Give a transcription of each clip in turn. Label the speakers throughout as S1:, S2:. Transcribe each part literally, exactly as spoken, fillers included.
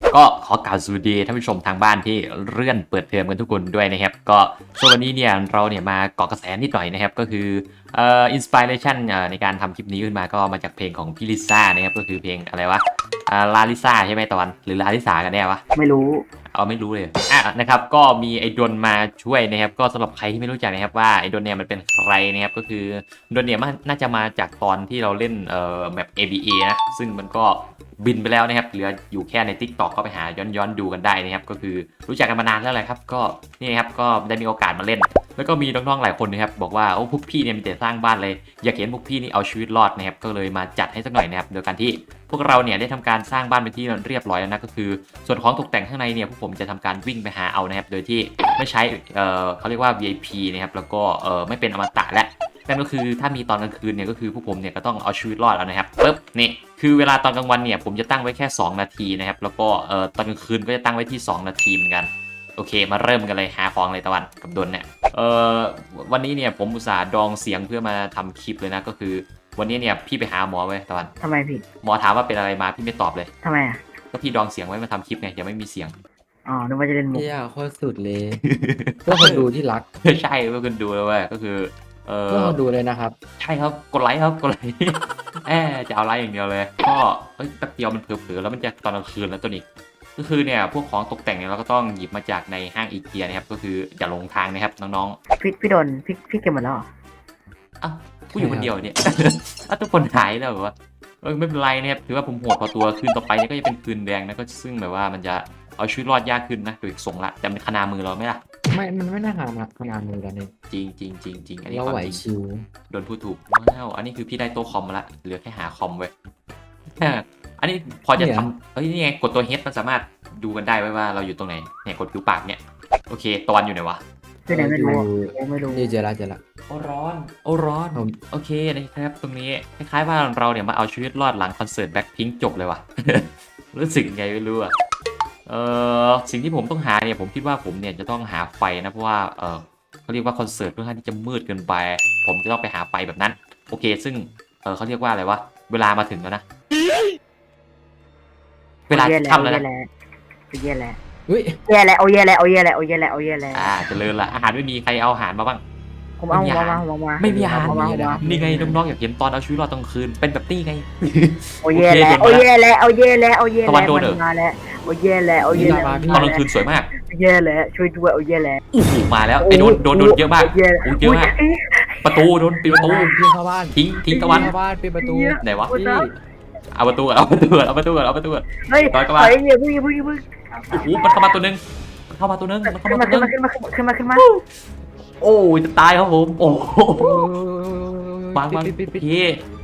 S1: ก็ขอกล่าวสวัสดีท่านผู้ชมทางบ้านที่เลื่อนเปิดเทอมกันทุกคนด้วยนะครับก็ส่วนวันนี้เนี่ยเราเนี่ยมาเกาะกระแสนิดหน่อยนะครับก็คือเอ่ออินสปิเรชันในการทำคลิปนี้ขึ้นมาก็มาจากเพลงของพี่ลิซ่านะครับก็คือเพลงอะไรวะอ่าลาลิซ่าใช่ไหมตอนหรือลาลิสากันแน่วะ
S2: ไม่รู้
S1: เอาไม่รู้เลยอ่ะนะครับก็มีไอ้ดนมาช่วยนะครับก็สำหรับใครที่ไม่รู้จักนะครับว่าไอ้ดนเนี่ยมันเป็นใครนะครับก็คือดนเนี่ยมันน่าจะมาจากตอนที่เราเล่นเอ่อแบบ เอ บี เอ นะซึ่งมันก็บินไปแล้วนะครับเหลืออยู่แค่ใน TikTok ก็ไปหาย้อนย้อนดูกันได้นะครับก็คือรู้จักกันมานานแล้วแหละครับก็นี่ครับก็ได้มีโอกาสมาเล่น แล้วก็มีน้องๆหลายคนนะครับบอกว่าโอ้พวกพี่เนี่ยมีแต่สร้างบ้านเลยอยากเห็นพวกพี่นี่เอาชีวิตรอดนะครับก็เลยมาจัดให้สักหน่อยนะครับโดยการที่พวกเราเนี่ยได้ทำการสร้างบ้านเป็นที่เรียบร้อยแล้วนะก็คือส่วนของตกแต่งข้างในเนี่ยพวกผมจะทำการวิ่งไปหาเอานะครับโดยที่ไม่ใช้เอ่อเขาเรียกว่า วี ไอ พี นะครับแล้วก็เอ่อไม่เป็นอมตะและนั่นก็คือถ้ามีตอนกลางคืนเนี่ยก็คือพวกผมเนี่ยก็ต้องเอาชีวิตรอดเอานะครับปึ๊บนี่คือเวลาตอนกลางวันเนี่ยผมจะตั้งไว้แค่สองนาทีนะครับแล้วก็เอ่อตอนกลางคืนก็จะตั้งไว้ที่สองนาทีเหมือนกันโอเคมาเริ่มกันเลยหาของเลยตะวันกับดนเนี่ยเอ่อวันนี้เนี่ยผมอุตส่าห์ดองเสียงเพื่อมาทำคลิปเลยนะก็คือวันนี้เนี่ยพี่ไปหาหมอไว้ตะวัน
S2: ทำไมพี่
S1: หมอถามว่าเป็นอะไรมาพี่ไม่ตอบเลย
S2: ทำไมอ่ะ
S1: ก็พี่ดองเสียงไว้มาทำคลิปไงยังไม่มีเสียง
S2: อ๋อนึกว่าจะเล่นมุก
S3: เฮียโคตรสุดเลยเพื่อคนดูที่รัก
S1: ใช่เพื่อคนดูเลยเว้ยก็คือเออ
S3: เพื่อคนดูเลยนะครับ
S1: ใช่ครับกดไลค์ครับกดไลค์ แอบจะเอาไลค์อย่างเดียวเลยก็เอ้ยแป๊บเดียวมันเผลอๆแล้วมันจะตอนกลางคืนแล้วตัวนี้ก็คือเนี่ยพวกของตกแต่งเนี่ยเราก็ต้องหยิบมาจากในห้างอีเกียนะครับก็คืออย่าหลงทางนะครับน้อง
S2: พี่พี่โดนพี่พี่เก็บหมดแล้วเหรอ
S1: ๆอ้าวกูอยู่คนเดียวเนี่ย อ้าวทุกคนหายแล้วเหรอวะเออไม่เป็นไรนะครับถือว่าผมโหดพอตัวคืนต่อไปเนี่ยก็จะเป็นคืนแดงนะก็ซึ่งแบบว่ามันจะเอาชีวิตรอดยากขึ้นนะโดยส่งละแต่มันขนามือเราไหมล่ะ
S3: ไม่ มันไม่น่าหามาขนาดมือแล้วเนี่ย
S1: จริงจริงจริงจริงอันนี้
S3: เรา
S1: ควา
S3: ไหว
S1: มจริง
S3: ชิว
S1: โดนพูดถูกว้าวอันนี้คือพี่ได้โต๊ะคอมมาละเหลือแค่หาคอมไว้ อันนี้พอจะทำเฮ้ยนี่ไงกดตัว H มันสามารถดูกันได้ไว้ว่าเราอยู่ตรงไหนเนี่ยกดผิวปากเนี่ยโอเคตะวันอยู่ไหนวะ
S2: พี่ไหนไม่รู้อะ
S3: อยู่
S2: โอ้ไม่รู้
S3: นี่เจอละเจอละ
S1: โอ้ร้อนโอ้ร้อน
S3: ผม
S1: โอเคนะครับตรงนี้คล้ายๆว่าเราเนี่ยมาเอาชีวิตรอดหลังคอนเสิร์ตแบ็คพิงค์จบเลยว่ะ รู้สึกยังไงไม่รู้อะเออสิ่งที่ผมต้องหาเนี่ยผมคิดว่าผมเนี่ยจะต้องหาไฟนะเพราะว่าเออเขาเรียกว่าคอนเสิร์ตค่อนข้างที่จะมืดเกินไป ผมจะต้องไปหาไฟแบบนั้นโอเค ซึ่งเออเขาเรียกว่าอะไรวะเวลามาถึงแล้วนะเวลา
S2: โอ้แย่แล้ว
S1: ค่ำแล้วนะ
S2: แย่แล้ว
S3: อุ้ย
S2: แย่แล้วโอ้แย่แล้วโอ้แย่แล้วโอ้แย่แล้วโอ้แย่แล้ว
S1: อ่าเจริญละอาหารไม่มีใครเอาอาหารมาบ้าง
S2: ผมเอา
S1: ไม่มี
S2: มา
S1: อาหาร
S2: มามามา
S1: ไม่มีอาหาร
S2: เมามามา
S1: นี่ไงน้องๆอยากเห็นตอนเอาชีวิตรอดตอนกลางคืนเป็นแบบนี้ไง
S2: โอ้แย่แล้ว
S1: โอ
S2: โอ้
S1: เค
S2: แย่แล้วโอ้แย่แล้วโอ้แย่
S1: ตะ
S2: แล้ว
S1: วันโดนเหรอ
S2: มันมาแล้วโอ้แย่แล้วโอ้แย่แล้ว
S3: มาพี่
S1: ตอนกลางคืนสวยมาก
S2: แย่แล้วช่วยด้วยโอ้แย่แล้ว
S1: โอ้โหมาแล้วไอ้โดนโดนโดนเยอะมาก
S2: โแย่
S1: โอ้เยอะมากประตูโดนปิดประตู
S3: พี่เข้าบ้าน
S1: ทิ้งทิ้งตะวัน
S3: เข้าบ้านปิดประตู
S1: ไหนวะ
S3: พี่
S1: เอาประตูก่อนเอาประตูก่อนเอาประตูก่อนเอาประตูก่อน
S2: เฮ้ย
S1: ต่อยเข้ามา
S2: เฮ้ยอย่าเพิ่งอย่าเพิ่งอย่าเพิ่ง
S1: โอ้โหมันเข้ามาตัวหนึงมันเข้ามาตัวหนึงมันเข้า
S2: ขึ้น
S1: มา
S2: มา
S1: ตัวห
S2: ขึ้น
S1: นึ
S2: มาง ขึ้นมาขึ้นมาขึ้นมาขึ้นมา
S1: โอ้ยจะตายครับผมโอ้โหวางวาง
S3: ปิดปิดปิด
S1: พี่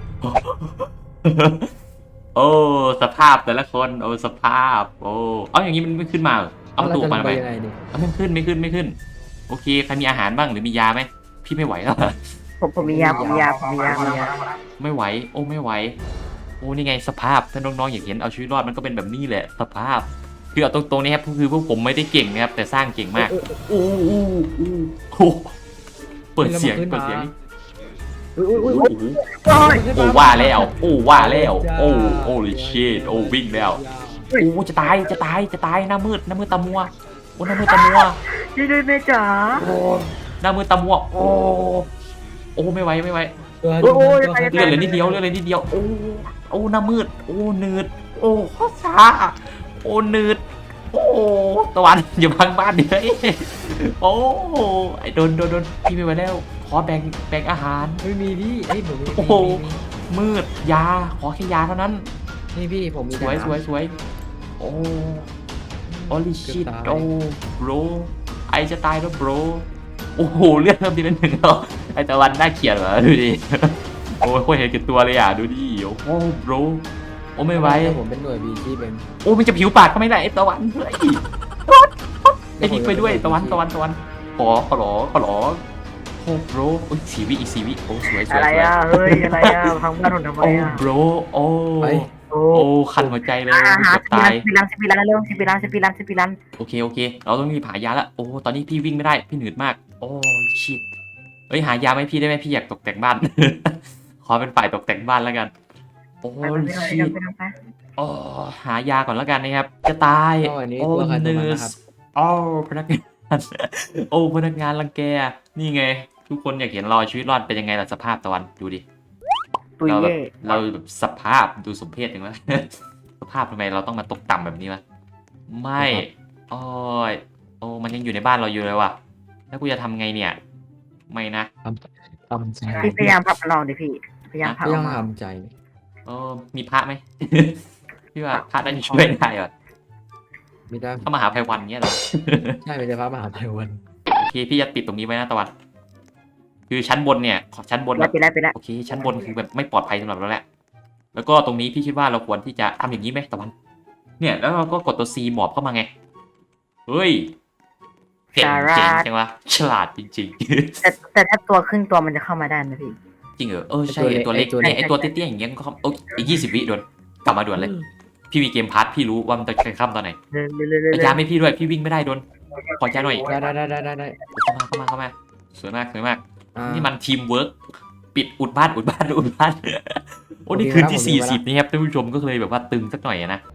S1: โอ้สภาพแต่ละคนโอ้สภาพโอ้เอาอย่างนี้มันไม่ขึ้นมาเหรอเอาประตูออกมาทำไม
S3: ยังไงดิ
S1: เอาไม่ขึ้นไม่ขึ้นไม่ขึ้นโอเคใครมีอาหารบ้างหรือมียาไหมพี่ไม่ไหวแล้ว
S2: ผมผมมียาผมมียาผมมียาผมมียา
S1: ไม่ไหวโอ้ไม่ไหวโอ้นี่ไงสภาพถ้าน้องๆอยากเห็นเอาชีวิตรอดมันก็เป็นแบบนี้แหละสภาพคือเอาตรงๆนี้ครับคือพวกผมไม่ได้เก่งนะครับแต่สร้างเก่งมากโอ้โหโอ้โหเปิดเสียงเปิดเสียง
S3: อุ้ยอุ้ย
S1: โอ้
S3: อุ้ย
S1: โหโอ้ว่าแล้วโอ้ว่าแล้วโอ้โอ้ลิชิตโอ้วิ่งแล้วโอ้จะตายจะตายจะตายหน้ามืดหน้ามืดตามัวโอ้หน้ามืดตามัว
S2: ช่วยด้วยแม่จ๋า
S1: โอ้หน้ามืดตามัวโอ้โอ้ไม่ไหวไม่ไหว
S3: ตัว
S2: โอ้ย
S3: ตัว
S2: ไป
S1: เลือดเหลือนิดเดียวเลือดเหลือนิดเดียวโอ้โอ้หน้ามืดโอ้เนืดโอ้ข้อช้าโอ้เนืดโอ้ตะวันอย่าพังบ้านเดี๋ยวโอ้ไอ้โดนโดนโดนพี่ไม่ไหวแล้วขอแบ่งแบ่งอาหาร
S3: ไม่มีพี่เอ้ยผมมี
S1: โอ้โห มืดยาขอแค่ยาเท่านั้น
S3: นี่พี่ผมมี
S1: สวยสวยสวยโอ้โอลิชิตโอ้โบรไอจะตายแล้วโบรโอ้โหเลือดเริ่มทีละหนึ่งแล้วไอตะวันน่าเกลียดเหรอดูดิโอ้ยโคตรเห็นแก่ตัวเลยอ่ะดูดิโอ้โหโบรโอ้ไม่ไหว
S3: ผมเป็นหน่วยบีชีเป็น
S1: โอ้มันจะผิวปากก็ไม่ได้ไอตะวันเฮ้ยไอนี่ไปด้วยตะวันตะวันตะวันขอขอหรอขอหรอโอ้โบรโอ้ยสีวิอีกสีวิโอ้สวยสวย
S2: อะไร
S1: สวย
S2: อ่ะเฮ้ยอะไรอ่ะพังบ้านผมทำไม
S1: โอ้
S2: อ่ะ
S1: โบรโอ้
S3: ไป
S2: โอ้
S1: โอ้คันหัวใจเลย
S2: อาหา
S1: เกือบ
S2: สิ
S1: ตาย
S2: บล้านสิบล้านเร็วสิบล้านสิบล้านสิบล้าน
S1: โอเคโอเคเราต้องรีบหายาละโอ้ตอนนี้พี่วิ่งไม่ได้พี่หนืดมากโอ้ชิตเอ้ยหายาไหมพี่ได้ไหมพี่อยากตกแต่งบ้าน ขอเป็นฝ่ายตกแต่งบ้านแล้วกันโอ้
S2: ไปไปไป
S1: ชิ
S2: ไป
S1: ต
S2: ไปไป
S1: โอ้หายาก่อนแล้วกันนะครับจะตาย
S3: ก็อันนี้
S1: โอ้
S3: ตัวใครตัว
S1: เน
S3: มัน
S1: อ
S3: นะ
S1: ร์
S3: ครับ
S1: สโอ้พนักงาน โอ้พนักงานรังแกนี่ไง ทุกคนอยากเห็นเราชีวิตรอดเป็นยังไงล่ะสภาพตะวันดูดิ
S2: ตุย
S1: เราแบ
S2: เย่
S1: บเราแบบสภาพดูสมเพศยังไง สภาพทำไมเราต้องมาตกต่ำแบบนี้วะไม่โอ้ยโอ้มันยังอยู่ในบ้านเราอยู่เลยว่ะแล้วกูจะทำไงเนี่ย ไม่นะ
S3: ทำทำใจ
S2: พี่พยายามพับมันลองดิพี่พยายามพับ
S3: ก็
S2: อ
S3: ยั
S2: อง กมา
S3: ทำใจ
S1: เออมีพระไหม พี่ว่าพระน่าจะช่วยได้ว่ะ
S3: ไม่ได้
S1: ถ้ามหาภัยวันเนี้ยเหรอ
S3: ใช่ไม่ได้พระมหาภัยวัน
S1: โอเคพี่จะปิดตรงนี้ไว้นะตะวัน คือชั้นบนเนี่ยขอชั้นบน
S2: ไป
S1: แบบ
S2: ไปแล้วไปแล้ว
S1: โอเค ชั้นบนคือแบบไม่ปลอดภัยสำหรับเราแหละ แล้วก็ตรงนี้พี่คิดว่าเราควรที่จะทำอย่างนี้ไหมตะวัน เนี่ยแล้วเราก็กดตัว C หมอบเข้ามาไง เฮ้ยเก่งเจ๋งจังวะฉลาดจริง
S2: แต่แต่ถ้าตัวครึ่งตัวมันจะเข้ามาได้นะพี่
S1: ๆ จริงเหรอเออใช่ไอ้ตัวเล็กเนี่ยไอ้ตัวเตี้ยๆอย่างเงี้ยก็เข้าโอ้ยอีกยี่สิบวิด่วนกลับมาด่วนเลย พี่มีเกมพาร์ทพี่รู้ว่ามันจะใครข้ามตอนไหน
S2: เร็วเร็วเร็วเร็ว
S1: ไอ้ยาไม่พี่ด้วยพี่วิ่งไม่ได้ด่วนขอจ้าหน่อย
S3: ได้ได้ได้ได้ได้ได้
S1: เข้ามาเข้ามาเข้ามาสวยมากสวยมาก
S3: อ่า
S1: นี่มันทีมเวิร์กปิดอุดบ้านอุดบ้านอุดบ้าน โอ้นี่
S3: โอเค
S1: คืนที่
S3: ครับผม
S1: สี่
S3: ดู
S1: สิบ
S3: ไว้ละ
S1: นี่ครับท่านผู้ชมก็เลยแบบว่าตึงสักหน่อยอะนะ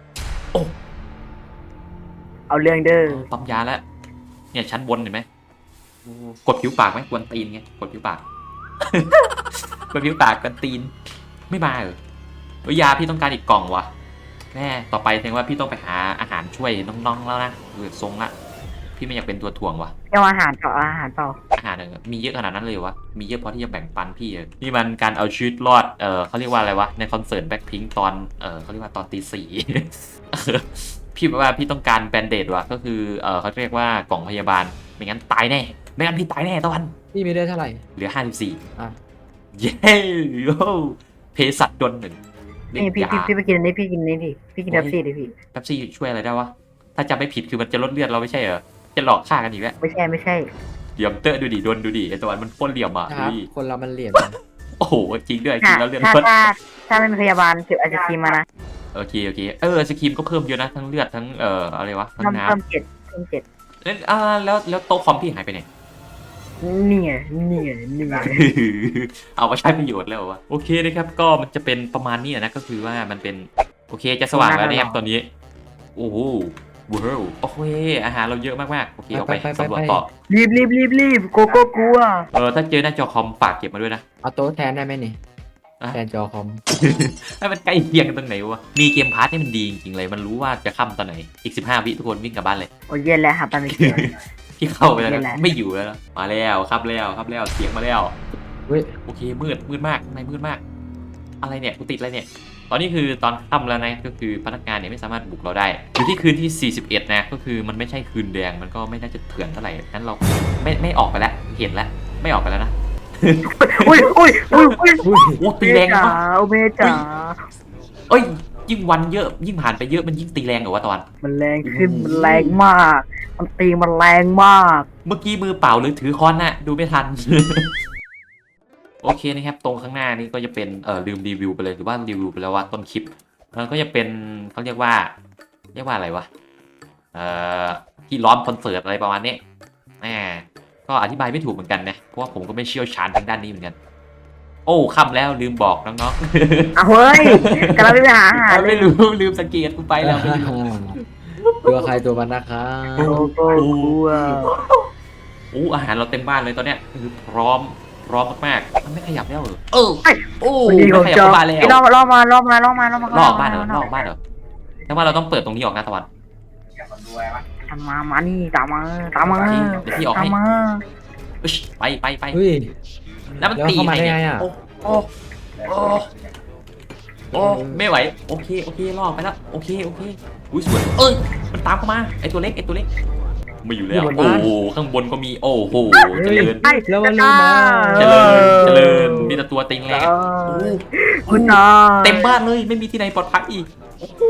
S2: เอาเรื่องเด้อ
S1: ปั๊มยาแล้วเนี่ยชั้นบนเห็นไหมโอ้กดผิวปากไหมกวนตีนไงกดผิวปาก กดผิวปากกวนตีนไม่มาเหรอเอ้ยยาพี่ต้องการอีกกล่องวะแม่ต่อไปแสดงว่าพี่ต้องไปหาอาหารช่วยน้องๆแล้วนะเออทรงละพี่ไม่อยากเป็นตัวถ่วงวะ
S2: เอาอาหารต่ออาหารต่อ
S1: อาหารเนี่ยมีเยอะขนาดนั้นเลยวะ มีเยอะพอที่จะแบ่งปันพี่เลยนี่มันการเอาชีวิตรอด เออเขาเรียกว่าอะไรวะ ในคอนเสิร์ตแบ็คพิงตอน เออเขาเรียกว่าตอนตีสี่ พี่บอกว่าพี่ต้องการแบนเดดว่ะ ก็คือ เออเขาเรียกว่ากล่องพยาบาล ไม่งั้นตายแน่ ไม่งั้นพี่ตายแน่ตะวัน
S3: พี่มีได้เท่าไหร่
S1: เหลือห้าสิบสี่
S3: อ่ะ
S1: เย้โย่เพสัตดนหนึ่งเล่น
S2: นี่พี่
S1: ยา
S2: พี่พี่ไปกินอันนี้พี่กินอันนี้ดิพี่กินเบปซี่ดิพี่
S1: แป๊บซี่ช่วยอะไรได้วะ ถ้าจำไม่ผิดคือมันจะลดเลือดเราไม่ใช่เหรอ จะหลอกฆ่ากันอีกแล้ว
S2: ไม่ใช่ไม่ใช่
S1: เหลี่ยมเตอร์ดูดิโดนดูดิไอตะวันมันโคตรเหลี่ยมอ่ะ
S3: ค
S1: ดู
S3: รับ
S1: ดิ
S3: คนเรามันเหลี่ยม
S1: โอ้โหจริงด้วยจริ
S2: ถ้าง
S1: แล้วเรื่อง
S2: ถ้า
S1: ลด
S2: ถ้าถ้าไม่มีพยาบาลเก็บไอศครีมมานะ
S1: โอเคโอเคเออสครีมก็เพิ่มเยอะนะทั้งเลือดทั้งเอ่ออะไรวะทั้ง
S2: เพิ่ม
S1: น้
S2: เพิ่มเจ็ดเพิ่มเจ็ด
S1: ำแล้วอ่าแล้วแล้วโต๊ะคอมพี่หายไปไหน
S2: นี่ไงนี่ไงนี่ไง
S1: เอามาใช้ประโยชน์แล้วเหรอวะโอเคนะครับก็มันจะเป็นประมาณนี้นะก็คือว่ามันเป็นโอเคจะสว่างแล้วนะครับตอนนี้โอ้โหว้าวโอเคอาหารเราเยอะมากๆโอเคเอาไปสำรวจต่อ
S2: รีบรีบรีบรีบโกโก้กลัว
S1: เออถ้าเจอหน้าจอคอมฝากเก็บมาด้วยนะ
S3: เอาโต๊ะแทนได้ไหมนี่
S1: อ่ะ
S3: แทนจอคอม
S1: ให้มันใกล้เคียงกันตรงไหนวะมีเกมพาร์ทนี่มันดีจริงๆเลยมันรู้ว่าจะค่ำตอนไหนอีกสิบห้าวิทุกคนวิ่งกลับบ้านเลย
S2: โอ้ยเย็นแล้วหาปลาไม่เจอ
S1: พี่เข้าไปแล้ว
S2: นี่
S1: นะ
S2: แหละ
S1: ไม่อยู่แล้วนะมาแล้วครับแล้วครับแล้วเสียงมาแล้ว
S3: เฮ้ย
S1: โอเคมืดมืดมากในมืดมาก อะไรเนี่ยกูติดอะไรเนี่ย ตอนนี้คือตอนค่ำแล้วนะก็คือพนักงานเนี่ยไม่สามารถบุกเราได้อยู่ที่คืนที่สี่สิบเอ็ดนะก็คือมันไม่ใช่คืนแดงมันก็ไม่น่าจะเถื่อนเท่าไหร่งั้นเราไม่ไม่ออกไปแล้วเห็นแล้วไม่ออกไปแล้วนะ
S2: อุ้ยอุ้ยอุ้ยอุ้ย
S3: อุ้ย
S1: โอ้ตี
S2: เม
S1: แรง
S2: จ๋า
S1: ปะ
S2: โอเมจ๋า
S1: เอ้ยยิ่งวันเยอะยิ่งผ่านไปเยอะมันยิ่งตีแรงเหรอวะตอน
S2: มันแรงขึ้นมันแรงมาก มันตีมันแรงมาก
S1: เมื่อกี้มือเปล่าหรือถือค้อนน่ะดูไม่ทัน โอเคนะครับตรงข้างหน้านี่ก็จะเป็นเออลืมรีวิวไปเลยหรือว่ารีวิวไปแล้วว่าต้นคลิปมันก็จะเป็นเขาเรียกว่า เรียกว่าอะไรวะเอ่อที่ล้อมคอนเสิร์ตอะไรประมาณนี้แหมก็อธิบายไม่ถูกเหมือนกันนะเพราะว่าผมก็ไม่เชี่ยวชาญทางด้านนี้เหมือนกัน โอ้ค่ำแล้วลืมบอกน้อง
S2: เอาเฮ้ยกำลังไปหาอาหาร
S1: ๆ
S2: เล
S1: ไม่
S2: ย
S1: รู้ลืมสังเกตกูไปแล้วไม่รู้
S3: ตัวใครตัวมันนะครับ
S2: โกโก้กลัว
S1: โอ้อาหารเราเต็มบ้านเลยตอนเนี้ยคือพร้อมพร้อมมากๆมันไม่ขยับแล้วเหรอเออโอ้
S2: ดีข
S1: ไม่
S2: อง
S1: ขยับ
S2: จอ
S1: เข้าบ้านแล้ว
S2: ล่อล่อมาล่อมาล่อมาล่อมา
S1: ลอกบ้านเหรอลอกบ้านเหรอแต่ว่าเราต้องเปิดตรงนี้ออกนะตะวัน
S2: ตามมามานี่ตามมาตามมา
S1: โอเคเดี๋ยวพี่ออก
S2: ตาม
S1: ให้
S2: มา
S1: อึ๊ชไปไปไป
S3: เฮ้ย
S1: แล้วมัน
S3: แล้ว
S1: ตี
S3: เข้ามาได้
S1: เนี่ย
S3: ไงอะ
S1: โอ้โอ้โอ้โอ้ไม่ไหวโอเคโอเคลอกไปแล้วโอเคโอเคอุ้ยสวยเอ้ยมันตามเข้ามาไอตัวเล็กไอตัวเล็กไม่อยู่แล้วโอ้โหข้างบนก็มีโอ้โหเจริญ
S2: ไอ้
S3: แล้วมันลงมา
S1: เจริญเจริญมีแต่ตัวติงแรง
S2: เออคุณนา
S1: เต็มบ้านเลยไม่มีที่ไหนปลอดภัยอีกโอ้โห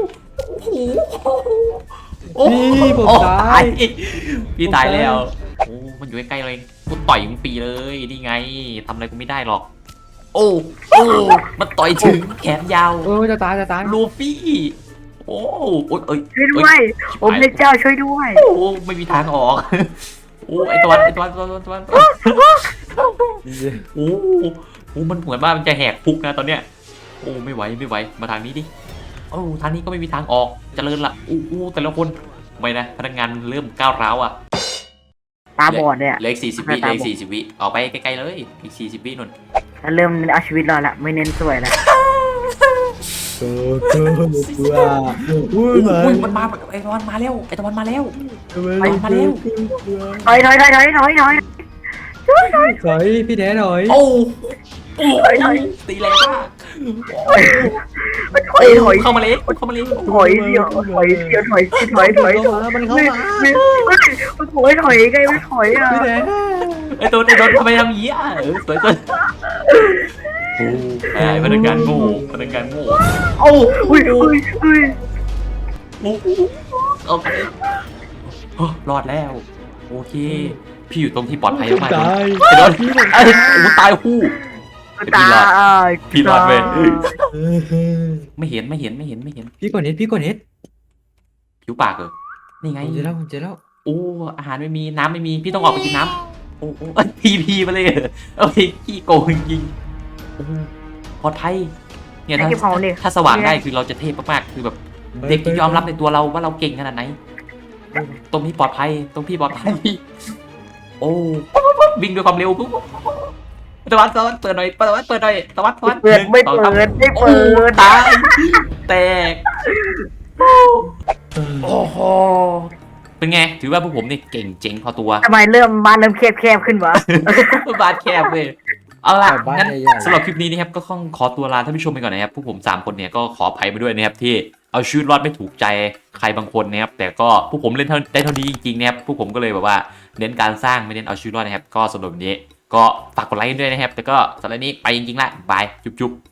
S1: โอ้โห
S3: พี่ผม
S1: โอ้
S3: ตาย
S1: พี่ตายแล้วโอ้มันอยู่ใกล้ๆเลยกูต่อยมึงปีเลยนี่ไงทำอะไรกูไม่ได้หรอก โอ้โอ้มันต่อยถึงแขนยาว
S3: เออจะตายจะตาย
S1: ลูฟี่โอ้โอ้ยเอ้ย
S2: ช่วยด้วยโอ้พระเจ้าช่วยด้วย
S1: โอ้ไม่มีทางออกโอ้ไอตัวไอตัวตัวตัวตัวโอ้โอ้มันเหมือนว่ามันจะแหกคุกนะตอนเนี้ยโอ้ไม่ไหวไม่ไหวมาทางนี้ดิโอ้ทางนี้ก็ไม่มีทางออกเจริญละอู้อู้แต่ละคนไม่นะพนักงานเริ่มก้าวร้าวอ่ะ
S2: ตาบอดเนี่ย
S1: เหลืออีกสี่สิบวิเหลืออีกสี่สิบวิออกไปไกลๆเลยอีกสี่สิบวินน
S2: แล้วเริ่มเอาชีวิตรอดละไม่เน้นสวยแล้ว
S3: โอ้โหว้าอุ้ย
S1: อุ้ยมันมาไอ้ตะวันมาแล้วไอ้ตะวันมาแล้ว
S3: ไปมาแล้ว
S2: ถอยถอยถอยถอยถอยถอย
S3: ถอยพี่แดนหน่อย
S1: โอ้โอ้ตีแรงมาก
S2: ถอยถอย
S1: เข้ามาเลยเข้ามาเลย
S2: ถอยเดียวถอยเดียวถอยถอยถอยถอย
S3: มันเข้ามา
S2: มันถอยถอยไงไม่ถอยอ่ะ
S3: พี่แดน
S1: ไอ้ตัวไอ้ตัวทำไมทำอย่างนี้อ่ะเออสวยสวยโอ้ไอ้พนักงานโง่พนักงานโง่
S2: โอ้อุ้ยอุ้ยอุ้ย
S1: โอ้โอเครอดแล้วโอเคพี่อยู่ตรงที่ปลอดภัยมาก
S3: ตาย
S1: ไอ้โดนไอ้โอ้ตายคู่
S2: ตาย
S1: พี่รอดเว้ยไม่เห็นไม่เห็นไม่เห็นไม่เห็น
S3: พี่กดเน็ตพี่กดเน็ต
S1: ผิวปากเหรอนี่ไง
S3: ผมเจอแล้วผมเจอแล้ว
S1: โอ้อาหารไม่มีน้ำไม่มีพี่ต้องออกไปกินน้ำโอ้โอ้พีพีมาเลยโอ้ยขี้โกงจริงปลอดภัยเนี่ยถ้าถ้าสว่างได้คือเราจะเทพมากๆคือแบบเด็กจะยอมรับในตัวเราว่าเราเก่งขนาดไหนตรงนี้ปลอดภัยตรงพี่ปลอดภัยโอ้วิ่งด้วยความเร็วปุ๊บตะวันตะวันเปิดหน่อยตะวันเปิดหน่อยตะวันตะวัน
S2: เปิดไม่เปิดไม่เปิด
S1: ตายแตกโอ้โหเป็นไงถือว่าพวกผมนี่เก่งเจ๋งพอตัว
S2: ทำไมเริ่มบ้านเริ่มแคบแคบขึ้นวะ
S1: บาดแคบเลยเอาล่ะ
S3: บ้าน
S1: งั้น
S3: ใหญ่
S1: สำหรับคลิปนี้นะครับก็ต้องขอตัวลาท่านผู้ชมไปก่อนนะครับพวกผมสามคนเนี่ยก็ขออภัยมาด้วยนะครับที่เอาชีวิตรอดไม่ถูกใจใครบางคนนะครับแต่ก็พวกผมเล่นเท่าได้เท่านี้จริงๆนะครับพวกผมก็เลยแบบว่าเน้นการสร้างไม่เน้นเอาชีวิตรอดนะครับก็สำหรับวันนี้ก็ฝากกดไลค์ด้วยนะครับแต่ก็สำหรับนี้ไปจริงๆละบายจุ๊บๆ